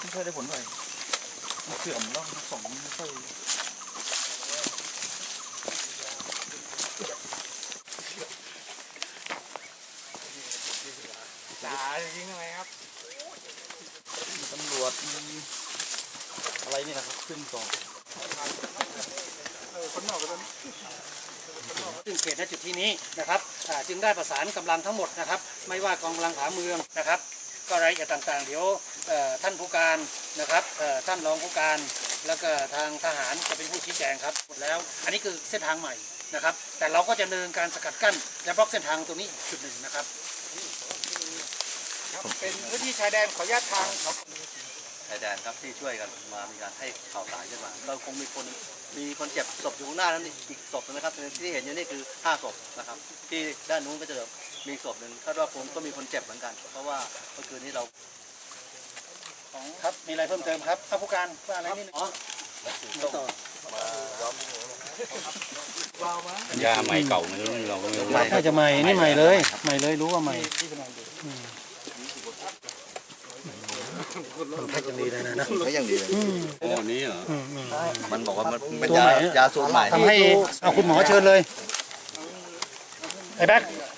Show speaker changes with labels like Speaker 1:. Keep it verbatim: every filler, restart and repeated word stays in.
Speaker 1: ค่อยได้ผลเท่าไหร่มันเสื่อมแล้วสองไม่ค่อยจ่ายิงอะไรครับตำรวจอะไรนี่นะครับขึ้นต่อคนนอกกัน
Speaker 2: ซึ่งเขตณจุดที่นี้นะครับจึงได้ประสานกำลังทั้งหมดนะครับไม่ว่ากองกำลังผาเมืองนะครับก็รายละเอียดต่างๆเดี๋ยวท่านผู้การนะครับท่านรองผู้การแล้วก็ทางทหารจะเป็นผู้ชี้แจงครับหมดแล้วอันนี้คือเส้นทางใหม่นะครับแต่เราก็จะดำเนินการสกัดกั้นและบล็อกเส้นทางตรงนี้จุดหนึ่งนะครับ
Speaker 1: เป็นพื้นที่ชายแดนขออนุญาตทาง
Speaker 3: ชายแดนครับที่ช่วยกันมามีการให้ข่าวสารขึ้นมาก็คงมีคนมีคนเจ็บศพอยู่ข้างหน้านั้นอีกศพนะครับที่เห็นอยู่นี่คือห้าศพนะครับที่ด้านนู้นก็จะมีศพหนึ่งคาดว่าคงก็มีคนเจ็บเหมือนกันเพราะว่าเมื่อคืนนี้เรา
Speaker 2: ครับมีอะไรเพิ่มเติมครับท่านผู้การว่าอะไรนี่อ๋อต่
Speaker 4: อยาใหม่เก่าไม่รู้เราก็ไม่รู้
Speaker 2: น่าจะใหม่นี่ใหม่เลยใหม่เลยรู้ว่าใหม่มันแพ็คยังดีเลยนะนะ
Speaker 3: แพ็คยังดีเลย
Speaker 4: โอ้นี้เหรอ
Speaker 3: มันบอกว่ามันเป็นยายาสูตรใหม่
Speaker 2: ทำให้เอาคุณหมอเชิญเลยไอ้แบ๊ก